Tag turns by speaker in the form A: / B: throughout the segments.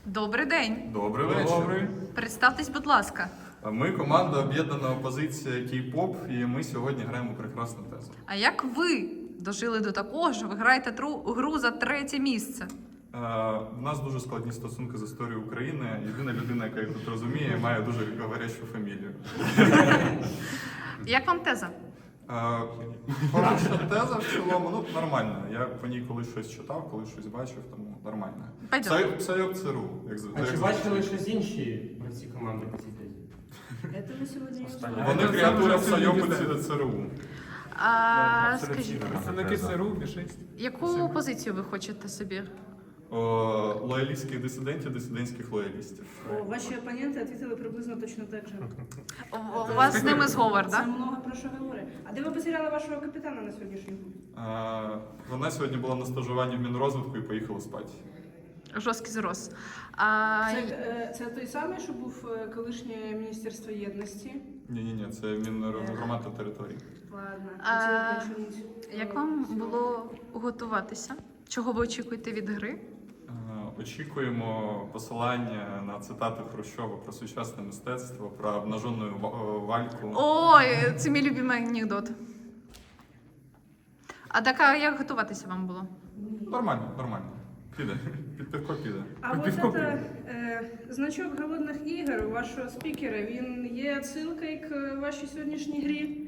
A: Добрий день.
B: Добрий вечір.
A: Представтесь, будь ласка.
B: Ми команда об'єднана опозиція Кей-поп, і ми сьогодні граємо прекрасну тезу.
A: А як ви дожили до такого, що ви граєте гру за 3-є місце?
B: У нас дуже складні стосунки з історією України. Єдина людина, яка їх тут розуміє, має дуже говорящу фамілію.
A: Як вам теза?
B: Хороша теза в цілому, ну нормально. Я по ній колись щось читав, колись щось бачив, тому нормально. Псайок ЦРУ, як
C: А
B: завжди.
C: чи бачили щось інші гравці команди по цій тезі?
D: Это мы сегодня не узнаем.
B: Вони креатура Псайоку ЦРУ.
A: Скажіть,
E: Представники ЦРУ, Мі-6.
A: яку позицію ви хочете собі?
B: Лоялістських дисидентів, дисидентських лоялістів.
D: Ваші опоненти відповіли приблизно точно так же.
A: У вас з ними зговор,
D: Це
A: так?
D: много про що говорить. А де ви потеряли вашого капітана на сьогоднішній день?
B: Вона сьогодні була на стажуванні в Мінрозвитку і поїхала спати.
A: Жорсткий зрос.
D: Це той самий, що був колишнє Міністерство єдності?
B: Ні, це Мінгромад та території.
D: Ладно,
A: Як вам було готуватися? Чого ви очікуєте від гри?
B: Очікуємо посилання на цитати Хрущова про сучасне мистецтво, про обнажену вальку.
A: Ой, це мій любимий анекдот. А так, а як готуватися вам було?
B: Нормально. Піде. Під пивко піде.
D: А от це значок голодних ігор у вашого спікера, він є відсилкою к вашій сьогоднішній грі?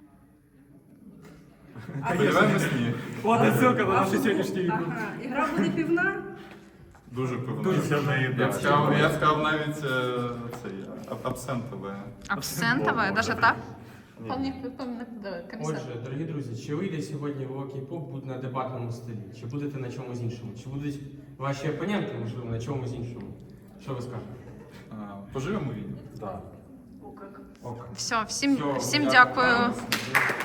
B: Сподіваємось, ні.
E: От ссылка на нашу сьогоднішню ігру.
D: Ага, ігра буде півна?
B: Дуже пивно.
E: Дуже сильна їда.
B: Я сказав навіть абсентове.
A: Абсентове, навіть так?
C: Отже, дорогі друзі, чи вийде сьогодні в Кей-поп бути на дебатному столі? Чи будете на чомусь іншому? Чи будуть ваші опоненти, можливо, на чомусь іншому? Що ви скажете?
B: Поживемо відео.
C: Так.
A: Все, всім
C: Всього,
A: дякую.
C: дякую.